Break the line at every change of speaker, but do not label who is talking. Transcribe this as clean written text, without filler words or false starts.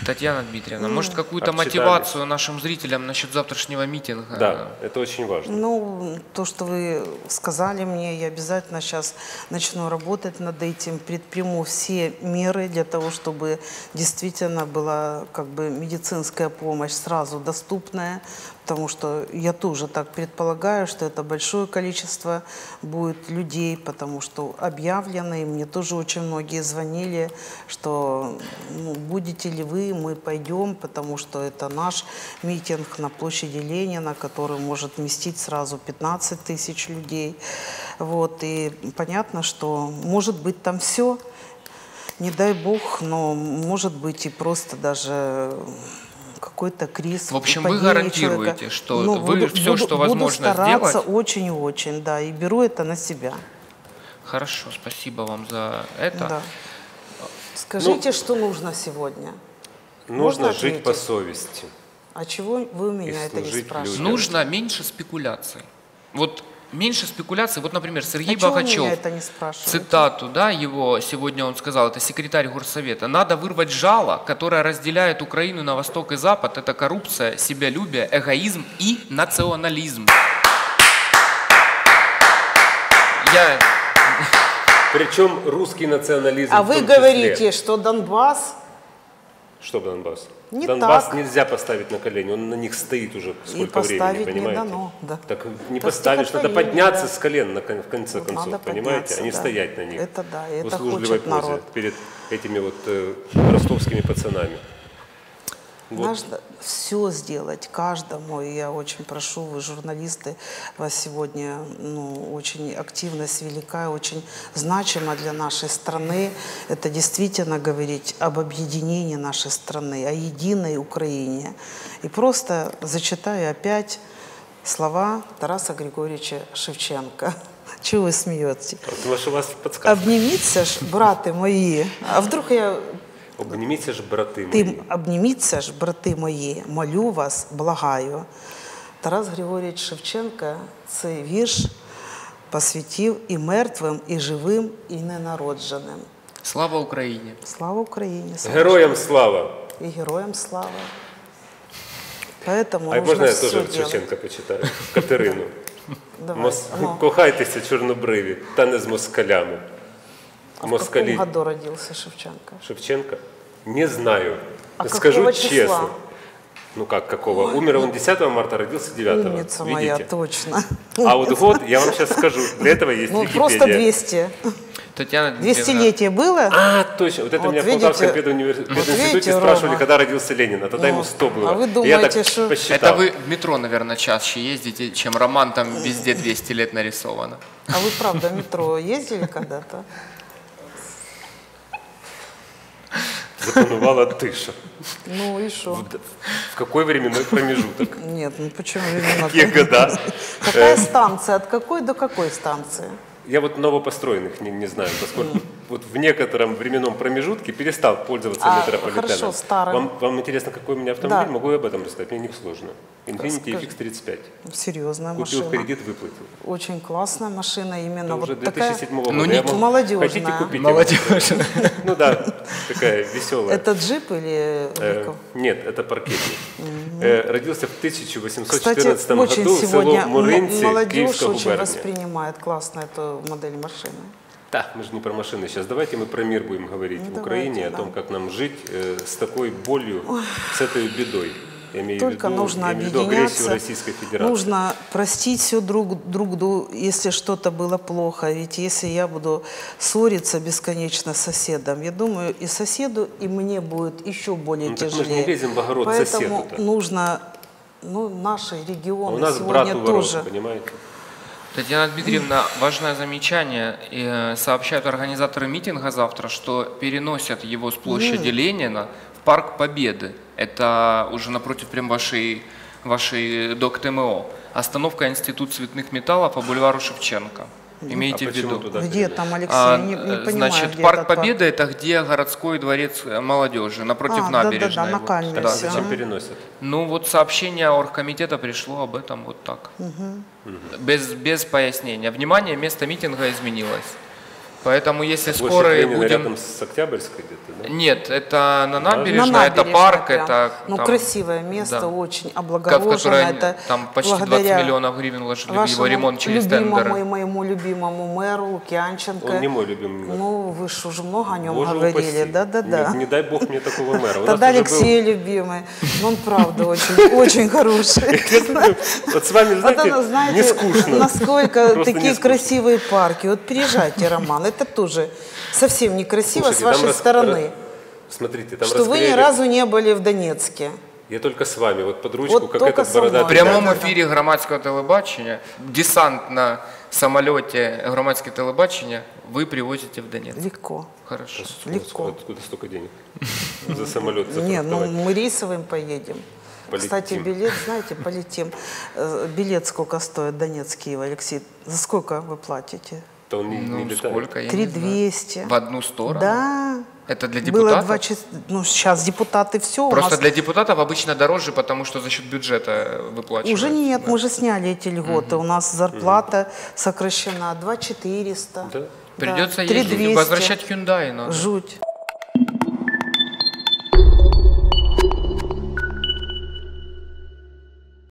Татьяна Дмитриевна, может, какую-то мотивацию нашим зрителям насчет завтрашнего митинга?
Да, это очень важно.
Ну, то, что вы сказали мне, я обязательно сейчас начну работать над этим, предприму все меры для того, чтобы действительно была как бы медицинская помощь сразу доступная, потому что я тоже так предполагаю, что это большое количество будет людей, потому что объявлено, и мне тоже очень многие звонили, что будете ли вы, мы пойдем, потому что это наш митинг на площади Ленина, который может вместить сразу 15 тысяч людей. Вот, и понятно, что может быть там все, не дай бог, но может быть и просто даже какой-то криз.
В общем, вы гарантируете, что вы все, что возможно
сделать? Буду стараться
сделать?
очень и очень, да, и беру это на себя.
Хорошо, спасибо вам за это.
Да. Скажите, что нужно сегодня?
Нужно жить по совести.
А чего вы у меня это не спрашиваете?
Нужно меньше спекуляций. Вот меньше спекуляций. Вот, например, Сергей Богачев, цитату, да, его сегодня он сказал, это секретарь Горсовета: надо вырвать жало, которое разделяет Украину на восток и запад. Это коррупция, себялюбие, эгоизм и национализм.
Причем русский национализм.
А вы говорите, что Донбасс...
Что Донбасс?
Не
Донбасс
так.
Нельзя поставить на колени, он на них стоит уже сколько времени, понимаете?
Не дано, да.
Так не поставишь, надо подняться с колен в конце концов,
надо
понимаете, а не
да.
стоять на них.
Это да, это
в услужливой
хочет
позе
народ.
перед этими вот ростовскими пацанами. Вот.
Нужно все сделать каждому, и я очень прошу, вы журналисты, вас сегодня очень активность велика, очень значима для нашей страны. Это действительно говорить об объединении нашей страны, о единой Украине. И просто зачитаю опять слова Тараса Григорьевича Шевченко. Чего вы смеетесь?
Потому что у вас подсказка.
Обниміться ж, брати мої. А вдруг я...
Обніміться ж, брати мої.
Обніміться ж, брати мої, молю вас, благаю. Тарас Григорійович Шевченко цей вірш посвятив і мертвим, і живим, і ненародженим.
Слава Україні!
Слава Україні!
Героям слава!
И героям слава. Поэтому
а можна я теж Шевченка почитаю? Катерину. Кохайтеся, чорнобриві, та не з москалями.
А в каком году родился Шевченко?
Шевченко? Не знаю.
А
скажу
числа?
Честно. Ну как, какого? Умер он 10 марта, родился 9.
Умница моя, точно.
А вот год, я вам сейчас скажу, для этого есть Википедия.
Просто 200.
Татьяна
200-летие было?
А, точно. Вот это
вот
меня в Полтавском пединституте спрашивали, когда родился Ленин, а тогда ему 100 было.
А вы думаете, что...
Это вы в метро, наверное, чаще ездите, чем роман, там везде 200 лет нарисовано.
А вы правда в метро ездили когда-то?
Запанувала тиша.
Ну и что?
В какой временной промежуток?
Нет, ну почему временной?
Какие года?
Какая станция? От какой до какой станции?
Я вот новопостроенных не знаю, поскольку вот в некотором временном промежутке перестал пользоваться метрополитеном.
Хорошо, старым.
Вам интересно, какой у меня автомобиль? Да. Могу я об этом рассказать, мне не сложно. Infiniti FX35.
Серьезная машина.
Купил кредит, выплатил.
Очень классная машина, именно
это
вот
уже 2007
такая...
года.
Ну, не
молодежная.
Хотите купить?
Молодежная.
Ну да, такая веселая.
Это джип или...
Нет, это паркетник. Родился в 1814 году в село Муринці, Киевская
очень
губерния.
воспринимает классно эту модель машины.
Да, мы же не про машины сейчас. Давайте мы про мир будем говорить в Украине, о том, как нам жить с такой болью, с этой бедой. Я имею
Только нужно объединяться,
Российской Федерации.
Нужно простить все друг другу, если что-то было плохо. Ведь если я буду ссориться бесконечно с соседом, я думаю, и соседу, и мне будет еще более тяжелее.
Мы же не лезем в огород
Поэтому
соседу-то.
нужно, наши регионы
у нас
сегодня
брат
тоже.
Понимаете?
Татьяна Дмитриевна, важное замечание. Сообщают организаторы митинга завтра, что переносят его с площади Ленина в Парк Победы. Это уже напротив прям вашей ДОК ТМО. Остановка Институт цветных металлов по бульвару Шевченко. Имейте в виду.
Где там, Алексей? Не понимаю,
значит, Парк Победы – это где городской дворец молодежи, напротив набережной.
Да, на Кальмисе.
Да, зачем переносят?
Ну вот сообщение оргкомитета пришло об этом вот так. Без пояснения. Внимание, место митинга изменилось. Поэтому если
Площадь
скоро
Ленина
будем...
рядом с Октябрьской где-то, да?
Нет, это на набережной,
На
это
набережной
парк,
прям.
это...
Ну,
там,
красивое место,
да.
очень
в
облагорожено.
которое
Это
там почти 20
благодаря
миллионов гривен вложили в его
вашему
ремонт через
любимому
тендеры.
и моему любимому мэру Лукьянченко.
Он не мой любимый мэр.
Ну, вы же уже много о нем
Боже
говорили.
упаси.
Да-да-да.
Не дай бог мне такого мэра. У нас
Тогда
уже
Алексей любимый. Ну, он правда очень хороший.
был- Вот с вами,
Вот оно,
знаете,
знаете,
не скучно.
насколько
Просто не
такие
скучно.
красивые парки. Вот приезжайте, Роман, это тоже совсем некрасиво с
Слушайте, там
вашей стороны,
Смотрите, там
что вы ни
расклеили-
разу не были в Донецке.
Я только с вами, вот под ручку,
Вот
как
только
этот
со мной.
В
бородатый.
прямом
Да-да-да.
ефірі громадського телебачення, десант на самоліті громадське телебачення ви привозите в Донецк.
Легко.
Хорошо.
Легко.
Откуда столько денег? За самолет
Не, ну
зафрахтовать.
мы рейсовым поедем.
Полетим.
Кстати, билет, знаете, полетим. Билет сколько стоит Донецк-Киев, Алексей? За сколько вы платите?
То он не
Ну,
летает.
сколько, я не знаю.
3200.
В одну сторону?
Да.
Это для
Было
депутатов?
2 часа. Ну, сейчас депутаты все.
Просто для депутатов обычно дороже, потому что за счет бюджета выплачивают.
Уже нет,
да.
мы же сняли эти льготы. У нас зарплата сокращена 2400.
Да?
Придется
Да,
ездить,
3200.
возвращать Hyundai надо.
Жуть.